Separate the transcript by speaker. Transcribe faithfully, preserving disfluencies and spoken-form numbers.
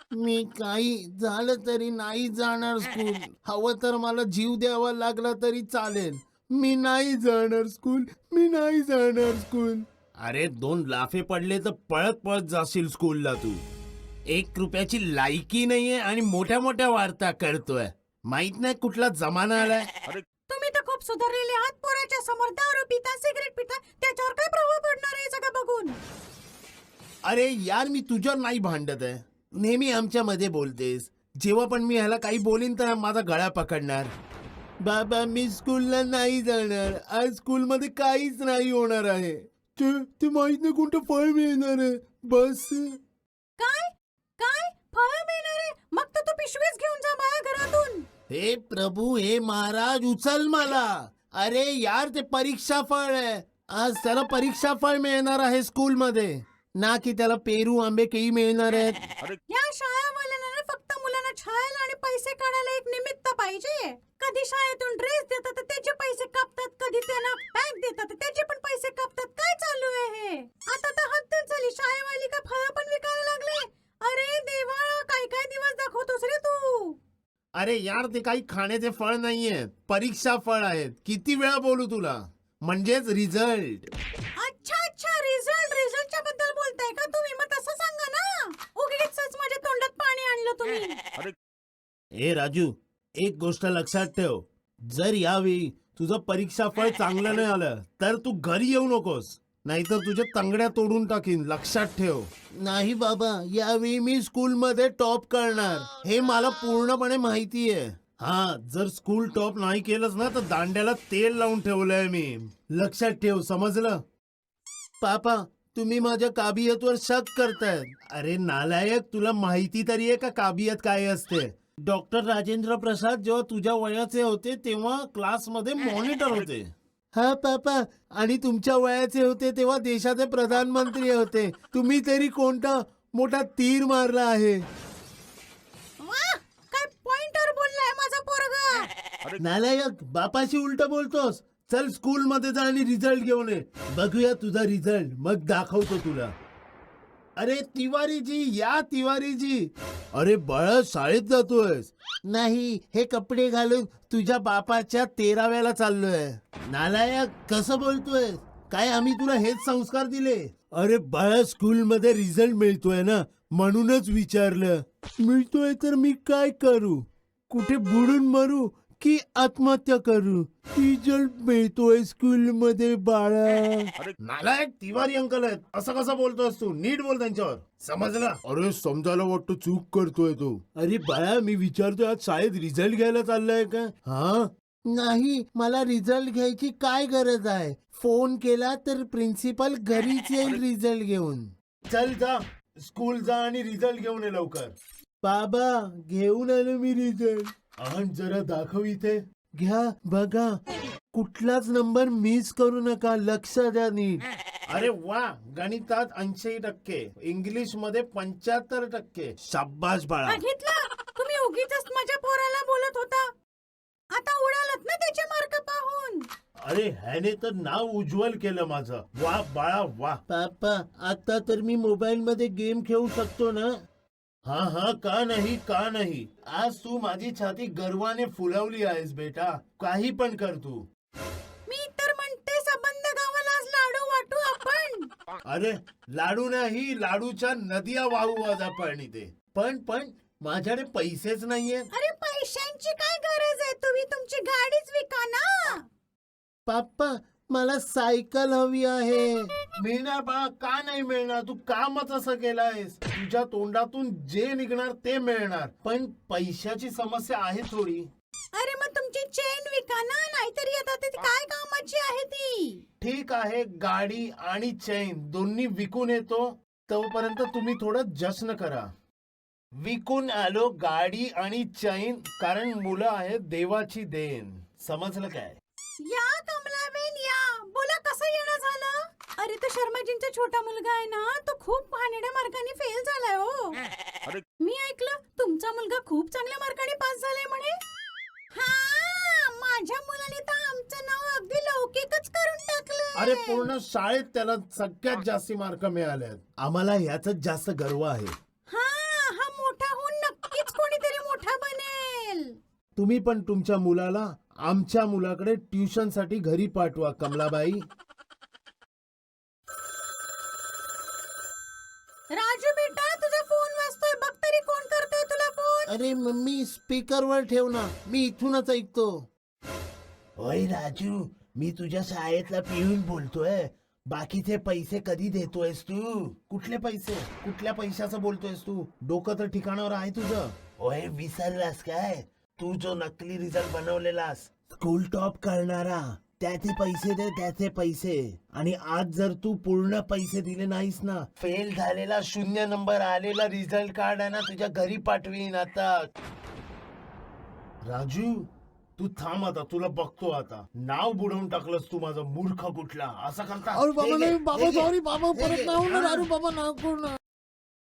Speaker 1: मी काही झालं तरी नाही जाणार स्कूल. हवं तर मला जीव द्यावा लागला तरी चालेल. मी नाही जाणार स्कूल. मी नाही जाणार स्कूल. अरे दोन लाफे पडले तर पळत पळत जाशील स्कूलला तू. एक रुपयाची लायकी नाहीये आणि मोठ्या मोठ्या वार्ता करतोय. माहित नाही कुठला जमाना आलाय.
Speaker 2: तुम्ही तर खूप सुधारलेले आहात. पोराच्या समोर दारू पिता, सिगरेट पिता, त्याच्यावर काय प्रभाव पडणार आहे सगळं बघून?
Speaker 1: अरे यार मी तुझ्यावर नाही भांडत आहे. नेहमी आमच्या मध्ये बोलतेस. जेव्हा पण मी ह्याला काही बोलीन तर माझा गळा पकडणार. बाबा मी स्कूलला नाही जाणार. आज स्कूलमध्ये काहीच नाही होणार आहे. ते ते माहित नाही कोणतं फळ मिळणार आहे. बस
Speaker 2: काय काय फळ मिळणार आहे? मग तर तू पिशवीच घेऊन जा माझ्या घरातून.
Speaker 1: हे प्रभू हे महाराज उचल मला. अरे यार ते परीक्षा फळ आहे. आज त्याला परीक्षा फळ मिळणार आहे स्कूलमध्ये, ना की त्याला पेरू आंबे केळी मिळणार आहेत.
Speaker 2: या शाळावाल्यांना फक्त मुलांना छायला आणि पैसे काढायला एक निमित्त पाहिजे. कधी शाळेतून ड्रेस देतात तर त्याचे पैसे कापतात, कधी त्यांना बॅग देतात तर त्याचे पण पैसे कापतात. काय चालू आहे हे? आता तर हद्दच झाली. शाळेवाली का फळं पण विकायला लागले? अरे देवा, काय काय दिवस दाखवतोस रे तू?
Speaker 1: अरे यार ते काही खाण्याचे फळ नाहीये, परीक्षा फळ आहेत. किती वेळा बोलू तुला? म्हणजेच रिझल्ट.
Speaker 2: अच्छा अच्छा, रिझल्ट रिझल्टच्या बद्दल बोलताय का तुम्ही? मग तसं सांगा ना. उगीचच माझ्या तोंडात पाणी आणलं तुम्ही.
Speaker 1: ए राजू, एक गोष्ट लक्षात ठेव. जर यावेळी तुझं परीक्षा फळ चांगलं नाही आलं तर तू घरी येऊ नकोस, नाहीतर तुझ्या तंगड्या तोडून टाकीन. लक्षात ठेव. नाही बाबा, यावेळी मी स्कूलमध्ये टॉप करणार. हे मला पूर्णपणे माहिती आहे. हा, जर स्कूल टॉप नाही केलंस ना तर दांड्याला तेल लावून ठेवलंय मी. लक्षात ठेव, समजलं? पापा तुम्ही माझ्या काबियतवर शक करताय. अरे नालायक, तुला माहिती तरी आहे का काबियत काय असते? डॉक्टर राजेंद्र प्रसाद जेव्हा तुझ्या वयाचे होते तेव्हा क्लासमध्ये मॉनिटर होते. हा पापा, आणि तुमच्या वयाचे होते तेव्हा देशाचे प्रधानमंत्री होते. तुम्ही तरी कोणता मोठा तीर मारला आहे.
Speaker 2: वाह, काय पॉइंटर बोललाय माझा पोरगा.
Speaker 1: नालायक, बापाशी उलट बोलतोस. चल स्कूल मध्ये जा आणि रिझल्ट घेऊन ये. बघूया तुझा रिझल्ट, मग दाखवतो तुला. अरे तिवारीजी, या तिवारीजी. अरे बाळा, शाळेत जातोयस? नाही, हे कपडे घालून तुझ्या बापाच्या तेराव्याला चाललोय. नालायक, कसं बोलतोय? काय आम्ही तुला हेच संस्कार दिले? अरे बाळा, स्कूल मध्ये रिझल्ट मिळतोय ना, म्हणूनच विचारलं. मिळतोय तर मी काय करू? कुठे बुडून मरू की आत्महत्या करू? रिझल्ट मिळतोय स्कूल मध्ये बाळा. नालायक, तिवारी अंकल आहेत. असं कसं बोलतोस तू? नीट बोल त्यांच्यावर, समजलं? अरे समजायला वाटतं चूक करतोय तू. अरे बाळा, मी विचारतोय आज शाळेत रिझल्ट घ्यायला चाललाय का? हा, नाही, मला रिझल्ट घ्यायची काय गरज आहे? फोन केला तर प्रिन्सिपल घरीच येईल रिझल्ट घेऊन. चल जा, स्कूल जा आणि रिझल्ट घेऊन ये लवकर. बाबा, घेऊन आलो मी रिझल्ट. आण जरा दाखव इथे. घ्या बघा, कुठलाच नंबर मिस करू नका. लक्ष द्या नीट. अरे वा, गणितात ऐंशी टक्के, इंग्लिश मध्ये पंच्याहत्तर टक्के. शाबाश बाळा.
Speaker 2: बघितलं, तुम्ही उगीचच माझ्या पोराला बोलत होता. आता उडालत ना त्याचे मार्क पाहून.
Speaker 1: अरे ह्याने तर नाव उज्ज्वल केलं माझं. वा बाळा वा. पापा, आता तर मी मोबाईल मध्ये गेम खेळू शकतो ना? हा हा, का नाही का नाही. आज तू माझी छाती गर्वाने फुलवली आहेस बेटा. काही पण कर तू.
Speaker 2: मी तर म्हणते संबंध गावाला आज लाडू वाटू आपण.
Speaker 1: अरे लाडू नाही, लाडूच्या नद्या वाहू आज आपण इथे. पण पण माझ्याकडे पैसेच नाहीये.
Speaker 2: अरे पैशांची काय गरज आहे? तुम्ही तुमची गाडीच विका ना.
Speaker 1: पापा, मला सायकल हवी आहे. मिळणार बा, का नाही मिळणार? तू कामच असं केलंयस. तुझ्या तोंडातून जे निघणार ते मिळणार, पण पैशाची समस्या आहे थोडी.
Speaker 2: अरे मग तुमची चेन विका ना, नाहीतरी आता ती काय कामाची आहे ती?
Speaker 1: ठीक आहे, गाडी आणि चैन दोन्ही विकून येतो. तोपर्यंत तुम्ही थोडं जश्न करा. विकून आलो गाडी आणि चैन, कारण मुलं आहेत देवाची देण. समजलं काय?
Speaker 2: या कमलाबेन या. बोला, कसं येणं झालं? अरे तो शर्माजींचा छोटा मुलगा आहे ना, तो खूप घाणेरड्या मार्काने फेल झालाय हो. मी ऐकलं तुमचा मुलगा खूप चांगल्या मार्काने पास झालाय म्हणे. हा, माझ्या मुलाने तर आमचं नाव अगदी लौकिकच करून टाकलं.
Speaker 1: अरे पूर्ण शाळेत त्याला सगळ्यात जास्त मार्क मिळाले. आम्हाला ह्याच जास्त गर्व आहे.
Speaker 2: हा, हा मोठा
Speaker 1: तुम्ही पण तुमच्या मुलाला आमच्या मुलाकडे ट्युशन साठी घरी पाठवा कमलाबाई.
Speaker 2: राजू बेटा तुझा फोन वाजतोय, बघ तरी कोण करतोय तुला फोन.
Speaker 1: अरे मम्मी स्पीकरवर ठेव ना, मी इथूनच ऐकतो. होय राजू, मी तुझ्या शाळेतला पिऊन बोलतोय. बाकीचे पैसे कधी देतोयस तू? कुठले पैसे? कुठल्या पैशाचं बोलतोयस तू? डोकं तर ठिकाणावर आहे तुझं? होय विसरलास काय? तू जो नकली रिझल्ट बनवलेलास स्कूल टॉप करणारा, त्याचे पैसे दे, त्याचे पैसे. आणि आज जर तू पूर्ण पैसे दिले नाहीस ना, फेल झालेला शून्य नंबर आलेला रिझल्ट कार्ड आहे ना तुझ्या घरी पाठवीन आता. राजू तू थांब आता, तुला बघतो आता. नाव बुडवून टाकलंस तू माझं, मूर्ख कुठला. असं करता?
Speaker 3: अरे बाबा
Speaker 1: हे घे,
Speaker 3: नाही बाबा
Speaker 1: हे घे,
Speaker 3: सॉरी बाबा
Speaker 1: हे
Speaker 3: परत
Speaker 1: घे.
Speaker 3: नाही होणार
Speaker 1: हा.
Speaker 3: अरे बाबा नको ना.